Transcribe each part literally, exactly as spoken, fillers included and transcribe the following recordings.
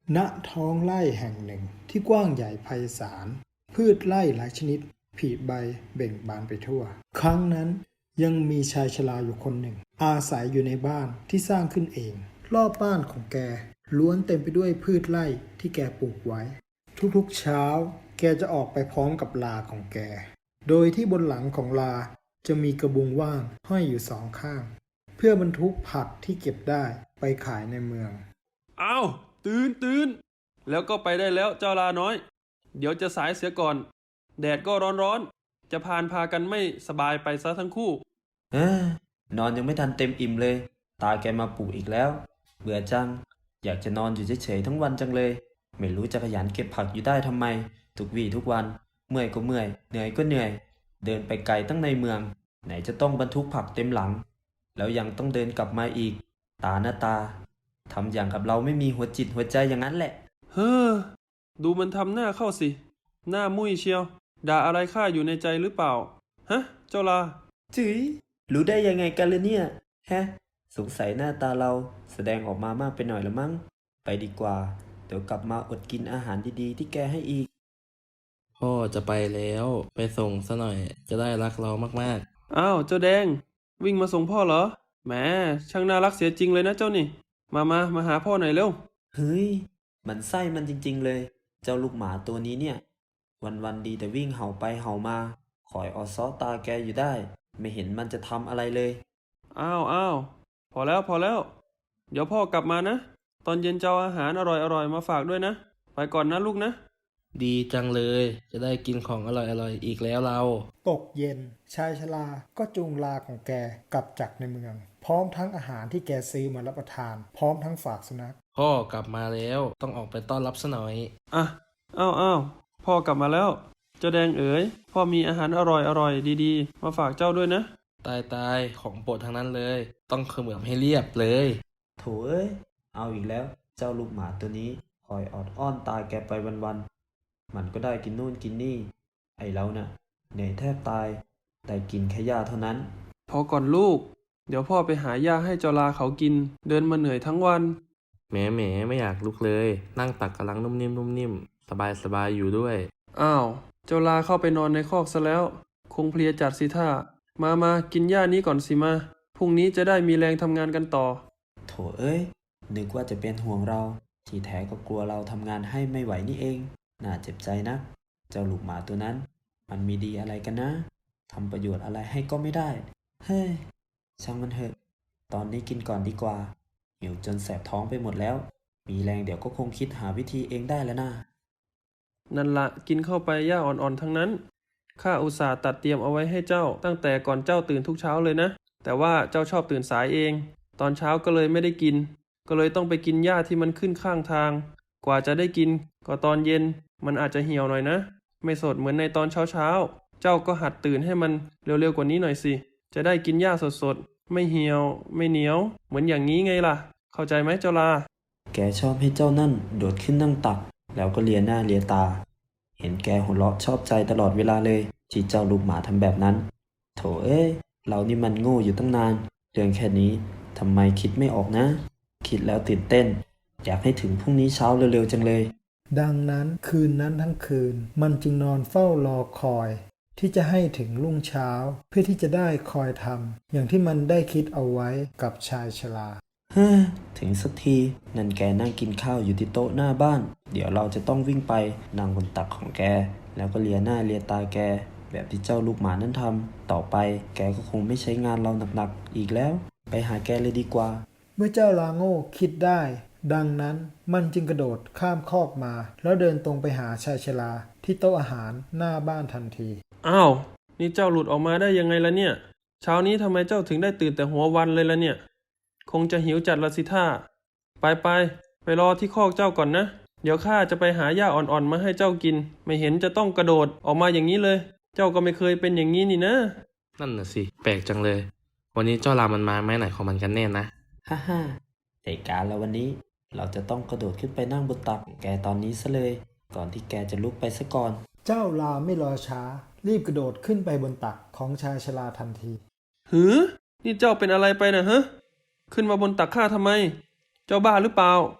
ณท้องไร่แห่งหนึ่งที่กว้างใหญ่ไพศาลพืชไร่หลายชนิดผลิใบเบ่งบานไปทั่วครั้งนั้นยังมีชายชราอยู่คนหนึ่งอาศัยอยู่ในบ้านที่สร้างขึ้นเองรอบบ้านของแกล้วนเต็มไปด้วยพืชไร่ที่แกปลูกไว้ทุกๆเช้าแกจะออกไปพร้อมกับลาของแกโดยที่บนหลังของลาจะมีกระบุงว่างห้อยอยู่สองข้างเพื่อบรรทุกผักที่เก็บได้ไปขายในเมืองอ้าวตื่นตื่นแล้วก็ไปได้แล้วเจ้าลาน้อยเดี๋ยวจะสายเสียก่อนแดดก็ร้อนร้อนจะพานพากันไม่สบายไปซะทั้งคู่เออนอนยังไม่ทันเต็มอิ่มเลยตาแกมาปลุกอีกแล้วเบื่อจังอยากจะนอนอยู่เฉยๆทั้งวันจังเลยไม่รู้จะขยันเก็บผักอยู่ได้ทำไมทุกวี่ทุกวันเมื่อยก็เมื่อยเหนื่อยก็เหนื่อยเดินไปไกลตั้งในเมืองไหนจะต้องบรรทุกผักเต็มหลังแล้วยังต้องเดินกลับมาอีกตาหน้าตาทำอย่างกับเราไม่มีหัวจิตหัวใจอย่างนั้นแหละเฮ้อดูมันทำหน้าเข้าสิหน้ามุ้ยเชียวด่าอะไรข้าอยู่ในใจหรือเปล่าฮะเจ้าลาจื๋ยรู้ได้ยังไงกันเลยเนี่ยฮะสงสัยหน้าตาเราแสดงออกมามากไปหน่อยละมั้งไปดีกว่าเดี๋ยวกลับมาอดกินอาหารดีๆที่แกให้อีกพ่อจะไปแล้วไปส่งซะหน่อยจะได้รักเรามากอ้าวเจ้าแดงวิ่งมาส่งพ่อเหรอแหมช่างน่ารักเสียจริงเลยนะเจ้านี่มามามาหาพ่อหน่อยเร็วเฮ้ยมันไส้มันจริงๆเลยเจ้าลูกหมาตัวนี้เนี่ยวันๆดีแต่วิ่งเห่าไปเห่ามาคอยออซ้อตาแกอยู่ได้ไม่เห็นมันจะทำอะไรเลยอ้าวอ้าวพอแล้วพอแล้วเดี๋ยวพ่อกลับมานะตอนเย็นจะเอาอาหารอร่อยๆมาฝากด้วยนะไปก่อนนะลูกนะๆดีจังเลยจะได้กินของอร่อยๆอีกแล้วเราตกเย็นชายชราก็จูงลาของแกกลับจากในเมืองพร้อมทั้งอาหารที่แกซื้อมารับประทานพร้อมทั้งฝากสุนัขพ่อกลับมาแล้วต้องออกไปต้อนรับซะหน่อยอ่ะอ้าวอ้าวพ่อกลับมาแล้วเจ้าแดงเอ๋ยพ่อมีอาหารอร่อยอร่อยดีๆมาฝากเจ้าด้วยนะตายตายของโปรดทั้งนั้นเลยต้องเขมือบให้เรียบเลยโถเอ้ยเอาอีกแล้วเจ้าลูกหมาตัวนี้คอยออดอ้อนตาแกไปวันๆมันก็ได้กินนู่นกินนี่ไอเราน่ะเหนื่อยแทบตายได้กินแค่หญ้าเท่านั้นพอก่อนลูกเดี๋ยวพ่อไปหาหญ้าให้เจ้าลาเขากินเดินมาเหนื่อยทั้งวันแหมแหมไม่อยากลุกเลยนั่งตักกำลังนุ่มนิ่มนุ่มนิ่มสบายสบายอยู่ด้วยอ้าวเจ้าลาเข้าไปนอนในคอกซะแล้วคงเพลียจัดสิท่ามามากินหญ้านี้ก่อนสิมาพรุ่งนี้จะได้มีแรงทำงานกันต่อโถเอ้ยนึกว่าจะเป็นห่วงเราที่แท้ก็กลัวเราทำงานให้ไม่ไหวนี่เองน่าเจ็บใจนะเจ้าลูกหมาตัวนั้นมันมีดีอะไรกันนะทำประโยชน์อะไรให้ก็ไม่ได้เฮ้ยช่างมันเถอะตอนนี้กินก่อนดีกว่าหิวจนแสบท้องไปหมดแล้วมีแรงเดี๋ยวก็คงคิดหาวิธีเองได้แล้วนะนั่นละกินเข้าไปหญ้าอ่อนๆทั้งนั้นข้าอุตส่าห์ตัดเตรียมเอาไว้ให้เจ้าตั้งแต่ก่อนเจ้าตื่นทุกเช้าเลยนะแต่ว่าเจ้าชอบตื่นสายเองตอนเช้าก็เลยไม่ได้กินก็เลยต้องไปกินหญ้าที่มันขึ้นข้างทางกว่าจะได้กินก็ตอนเย็นมันอาจจะเหี่ยวหน่อยนะไม่สดเหมือนในตอนเช้าๆเจ้าก็หัดตื่นให้มันเร็วๆกว่านี้หน่อยสิจะได้กินหญ้าสดๆไม่เหี่ยวไม่เหนียวเหมือนอย่างนี้ไงล่ะเข้าใจไหมเจ้าลาแกชอบให้เจ้านั่นโดดขึ้นนั่งตักแล้วก็เลียหน้าเลียตาเห็นแกหัวเราะชอบใจตลอดเวลาเลยที่เจ้าลูกหมาทำแบบนั้นโถเอ้ยเรานี่มันโง่อยู่ตั้งนานเรื่องแค่นี้ทำไมคิดไม่ออกนะคิดแล้วตื่นเต้นอยากให้ถึงพรุ่งนี้เช้าเร็วๆจังเลยดังนั้นคืนนั้นทั้งคืนมันจึงนอนเฝ้ารอคอยที่จะให้ถึงรุ่งเช้าเพื่อที่จะได้คอยทำอย่างที่มันได้คิดเอาไว้กับชายชราฮ่าถึงสักทีนั่นแกนั่งกินข้าวอยู่ที่โต๊ะหน้าบ้านเดี๋ยวเราจะต้องวิ่งไปนั่งบนตักของแกแล้วก็เลียหน้าเลียตาแกแบบที่เจ้าลูกหมานั้นทำต่อไปแกก็คงไม่ใช้งานเราหนักๆอีกแล้วไปหาแกเลยดีกว่าเมื่อเจ้าลาโง่คิดได้ดังนั้นมันจึงกระโดดข้ามคอกมาแล้วเดินตรงไปหาชายชราที่โต๊ะอาหารหน้าบ้านทันทีอ้าวนี่เจ้าหลุดออกมาได้ยังไงล่ะเนี่ยเช้านี้ทำไมเจ้าถึงได้ตื่นแต่หัววันเลยล่ะเนี่ยคงจะหิวจัดละสิท่าไปไปไปรอที่คอกเจ้าก่อนนะเดี๋ยวข้าจะไปหาหญ้าอ่อนๆมาให้เจ้ากินไม่เห็นจะต้องกระโดดออกมาอย่างนี้เลยเจ้าก็ไม่เคยเป็นอย่างนี้นี่นะนั่นน่ะสิแปลกจังเลยวันนี้เจ้าลามันมาไหมไหนของมันกันแน่นะฮ่าฮ่าแต่การแล้ววันนี้เราจะต้องกระโดดขึ้นไปนั่งบนตักแกตอนนี้ซะเลยก่อนที่แกจะลุกไปซะก่อนเจ้าลาไม่รอช้ารีบกระโดดขึ้นไปบนตักของชายชราทันทีหือนี่เจ้าเป็นอะไรไปนะฮะขึ้นมาบนตักข้าทำไมเจ้าบ้าหรือเปล่า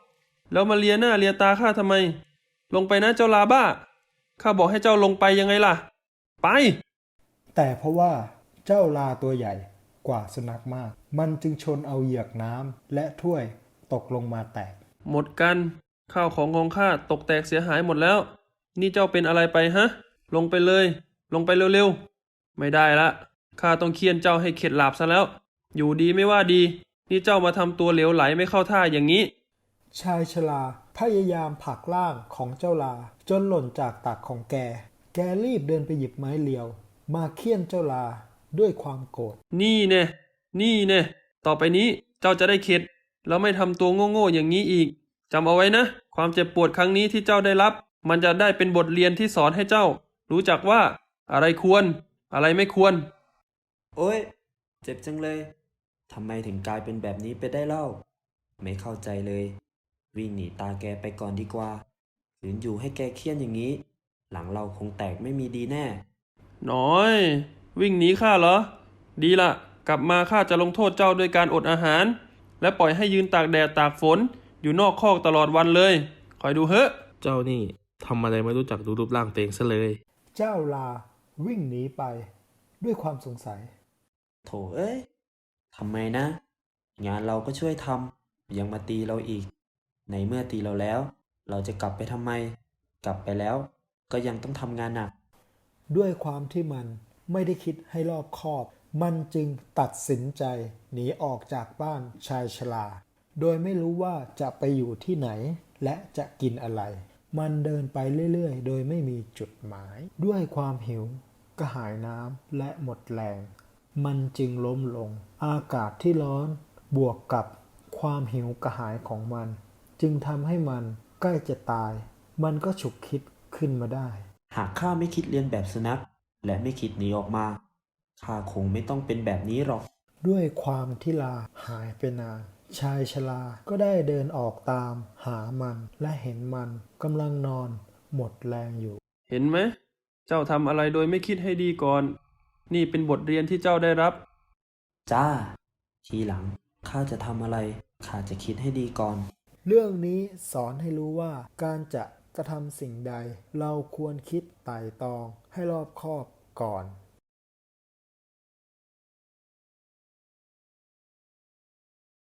แล้วมาเลียหน้าเลียตาข้าทำไม ลงไปนะเจ้าลาบ้า ข้าบอกให้เจ้าลงไปยังไงล่ะ ไปแต่เพราะว่าเจ้าลาตัวใหญ่กว่าสุนัขมาก มันจึงชนเอาเหยือกน้ำและถ้วยตกลงมาแตกหมดกัน ข้าวของของข้าตกแตกเสียหายหมดแล้ว นี่เจ้าเป็นอะไรไปฮะ ลงไปเลย ลงไปเร็วๆ ไม่ได้ละข้าต้องเคี่ยนเจ้าให้เข็ดหลาบซะแล้ว อยู่ดีไม่ว่าดี นี่เจ้ามาทำตัวเหลวไหลไม่เข้าท่าอย่างนี้ชายชราพยายามผลักร่างของเจ้าลาจนหล่นจากตักของแก แกรีบเดินไปหยิบไม้เรียว มาเคี่ยนเจ้าลาด้วยความโกรธนี่เน่นี่เน่ต่อไปนี้เจ้าจะได้เข็ด แล้วไม่ทำตัวโง่ๆอย่างนี้อีก จำเอาไว้นะ ความเจ็บปวดครั้งนี้ที่เจ้าได้รับ มันจะได้เป็นบทเรียนที่สอนให้เจ้า รู้จักว่า อะไรควร อะไรไม่ควรโอ๊ย เจ็บจังเลย ทำไมถึงกลายเป็นแบบนี้ไปได้เล่า ไม่เข้าใจเลย วิ่งหนีตาแกไปก่อนดีกว่าขืนอยู่ให้แกเคี่ยนอย่างนี้ หลังเราคงแตกไม่มีดีแน่น้อย วิ่งหนีข้าเหรอ ดีละกลับมาข้าจะลงโทษเจ้าด้วยการอดอาหาร และปล่อยให้ยืนตากแดดตากฝน อยู่นอกคอกตลอดวันเลย คอยดูเฮ้ะเจ้านี่ทำอะไรไม่รู้จักดูรูปร่างตัวเองซะเลยเจ้าลาวิ่งหนีไปด้วยความสงสัยโถเอ้ย ทำไมนะ งานเราก็ช่วยทำ ยังมาตีเราอีก ในเมื่อตีเราแล้ว เราจะกลับไปทำไม กลับไปแล้ว ก็ยังต้องทำงานหนักด้วยความที่มันไม่ได้คิดให้รอบคอบ มันจึงตัดสินใจหนีออกจากบ้านชายชรา โดยไม่รู้ว่าจะไปอยู่ที่ไหนและจะกินอะไร มันเดินไปเรื่อยๆ โดยไม่มีจุดหมาย ด้วยความหิวกระหายน้ำและหมดแรง มันจึงล้มลง อากาศที่ร้อนบวกกับความหิวกระหายของมัน จึงทำให้มันใกล้จะตาย มันก็ฉุกคิดขึ้นมาได้หากข้าไม่คิดเรียนแบบสุนัข และไม่คิดหนีออกมา ข้าคงไม่ต้องเป็นแบบนี้หรอกด้วยความที่ลาหายไปนาน ชายชราก็ได้เดินออกตามหามันและเห็นมันกำลังนอนหมดแรงอยู่เห็นไหม เจ้าทำอะไรโดยไม่คิดให้ดีก่อน นี่เป็นบทเรียนที่เจ้าได้รับจ้า ทีหลังข้าจะทำอะไร ข้าจะคิดให้ดีก่อนเรื่องนี้สอนให้รู้ว่าการจะกระทำสิ่งใด เราควรคิดไตร่ตรองให้รอบคอบก่อน